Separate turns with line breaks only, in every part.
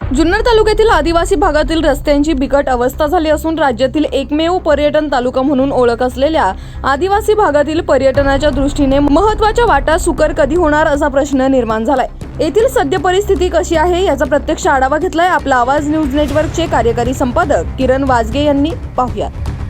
जुन्नर तालुक्यातील आदिवासी भागातील रस्त्यांची बिकट अवस्था झाली असून राज्यातील एकमेव पर्यटन तालुका म्हणून ओळख असलेल्या आदिवासी भागातील पर्यटनाच्या दृष्टीने महत्त्वाच्या वाटा सुकर कधी होणार असा प्रश्न निर्माण झालाय। येथील सद्य परिस्थिती कशी आहे याचा प्रत्यक्ष आढावा घेतलाय आपला आवाज न्यूज नेटवर्कचे कार्यकारी संपादक किरण वाजगे यांनी। पाहूया।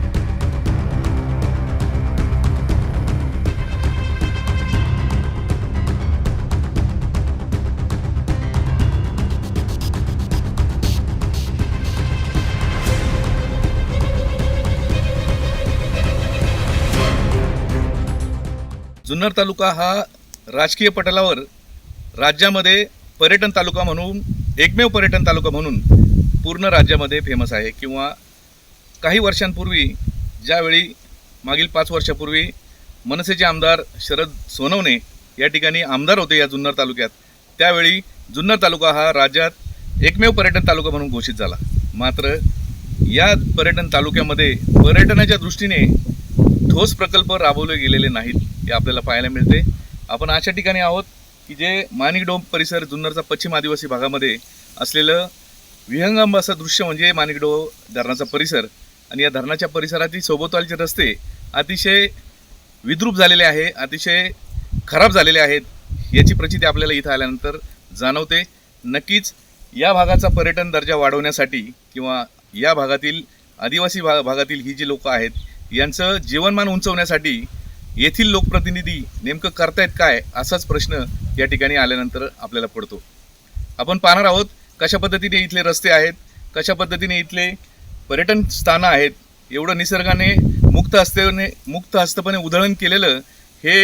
जुन्नर तालुका हा राजकीय पटलावर राज्यामध्ये पर्यटन तालुका म्हणून एकमेव पर्यटन तालुका म्हणून पूर्ण राज्यामध्ये फेमस आहे। किंवा काही वर्षांपूर्वी ज्यावेळी मागील 5 वर्षापूर्वी मनसेचे आमदार शरद सोनवणे या ठिकाणी आमदार होते या जुन्नर तालुक्यात, त्यावेळी जुन्नर तालुका हा राज्यात एकमेव पर्यटन तालुका म्हणून घोषित झाला। मात्र या पर्यटन तालुक्यामध्ये पर्यटनाच्या दृष्टीने ठोस प्रकल्प राबवले गेलेले नाहीत हे आपल्याला पाहायला मिळते। आपण अशा ठिकाणी आहोत की जे माणिकडोह परिसर, जुन्नरचा पश्चिम आदिवासी भागामध्ये असलेलं विहंगम असं दृश्य म्हणजे माणिकडोह धरणाचा परिसर। आणि या धरणाच्या परिसरातील सोबतचे रस्ते अतिशय विद्रूप झालेले आहे, अतिशय खराब झालेले आहेत याची प्रचिती आपल्याला इथं आल्यानंतर जाणवते। नक्कीच या भागाचा पर्यटन दर्जा वाढवण्यासाठी किंवा या भागातील आदिवासी भागातील ही जी लोक आहेत यांचं जीवनमान उंचवण्यासाठी येथील लोकप्रतिनिधी नेमकं करतायत काय असाच प्रश्न या ठिकाणी आल्यानंतर आपल्याला पडतो। आपण पाहणार आहोत कशा पद्धतीने इथले रस्ते आहेत, कशा पद्धतीने इथले पर्यटन स्थानं आहेत। एवढं निसर्गाने मुक्त हस्तपणे उधळण केलेलं हे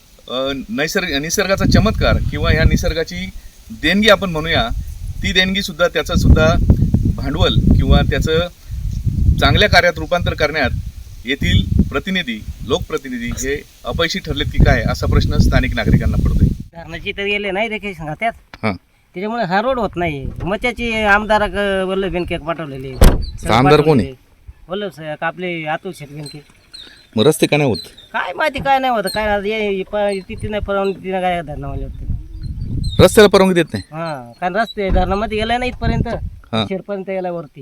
निसर्गाचा चमत्कार किंवा ह्या निसर्गाची देणगी आपण म्हणूया, ती देणगीसुद्धा त्याचंसुद्धा भांडवल किंवा त्याचं चांगल्या कार्यात रूपांतर करण्यात येथील प्रतिनिधी, लोकप्रतिनिधी हे अपयशी ठरलेत की काय असा प्रश्न स्थानिक नागरिकांना पडतोय।
धरणाची तर गेले नाही रे काही सांगतात,
हां,
त्याच्यामुळे हा रोड होत नाही। मच्याची आमदार वल्लभ बेनके पाठवलेले।
आमदार कोण आहे?
वल्लभ साहेब आपले अतुल शेठ बेनके।
मग रस्ते का नाही होत?
काय माहिती काय नाही होत, काय तिथे नाही परवानगी तिने काय धरणावाले होते,
रस्त्याला परवानगी देत नाही।
हां, कारण रस्ते धरणामध्ये गेला नाही इथपर्यंत, शेडपर्यंत गेला वरती।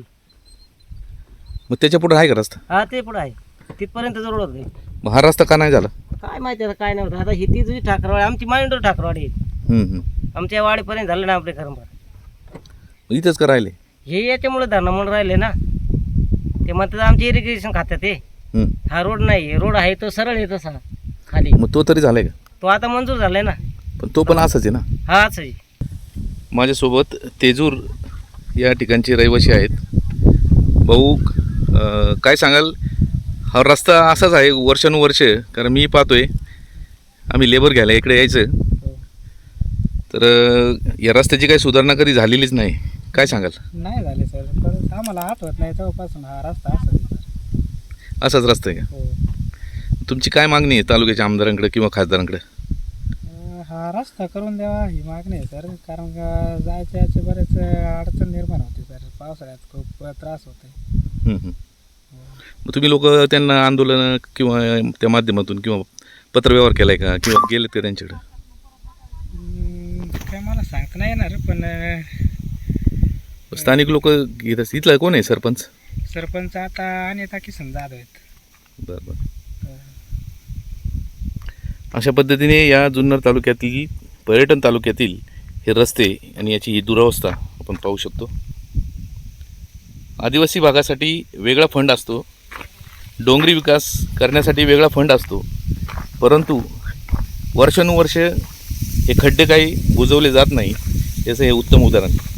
मग त्याच्या पुढे आहे का रस्ता?
हा, ते पुढे आहे, तिथपर्यंत रोड होत नाही।
मग हा रस्ता का नाही झाला?
काय माहिती आता काय नाही होत। आता ही ती तुझी ठाकरवाडी, आमची माइंडवर ठाकरवाडी आहे, आमच्या वाडीपर्यंत झालं ना आपले खरंबर।
इथंच का राहिले
हे याच्यामुळे धरणं म्हणून राहिले ना, ते म्हणतात आमचे इरिगेशन खात्यात ते हा रोड नाही, रोड आहे तो सरळ आहे तसा खाली।
मग तो तरी झालाय का?
तो आता मंजूर झालाय ना, पण
तो पण असाच आहे ना?
हा, असं आहे।
माझ्यासोबत तेजूर या ठिकाणचे रहिवासी आहेत। भाऊ, काय सांगाल? हा रस्ता असाच आहे वर्षानुवर्ष, कारण मी पाहतोय, आम्ही लेबर घ्यायला इकडे यायचं तर या रस्त्याची काही सुधारणा कधी झालेलीच नाही, काय सांगाल?
नाही झाले सर, परत आम्हाला आठवत नाही तेव्हापासून हा रस्ता
असाच रस्ता आहे का? तुमची काय मागणी आहे तालुक्याच्या आमदारांकडे किंवा खासदारांकडे?
हा रस्ता करून द्यावा ही मागणी आहे सर, कारण का जायच्या याचे बरेच अडचण निर्माण होते सर, पावसाळ्यात खूप त्रास होते।
मग तुम्ही लोक त्यांना आंदोलन किंवा त्या माध्यमातून किंवा पत्रव्यवहार केलाय का किंवा गेलेत का त्यांच्याकडे?
काय मला सांगता नाही येणार, पण
स्थानिक लोक घेत असतील। इथला कोण आहे सरपंच?
सरपंच आता अनिता किसन जाधव आहेत।
बरं। अशा पद्धतीने या जुन्नर तालुक्यातील पर्यटन तालुक्यातील हे रस्ते आणि याची ही दुरावस्था आपण पाहू शकतो। आदिवासी भागासाठी वेगळा फंड असतो, डोंगरी विकास करण्यासाठी वेगळा फंड असतो, परंतु वर्षानुवर्ष हे खड्डे काही बुजवले जात नाही, याचं हे उत्तम उदाहरण।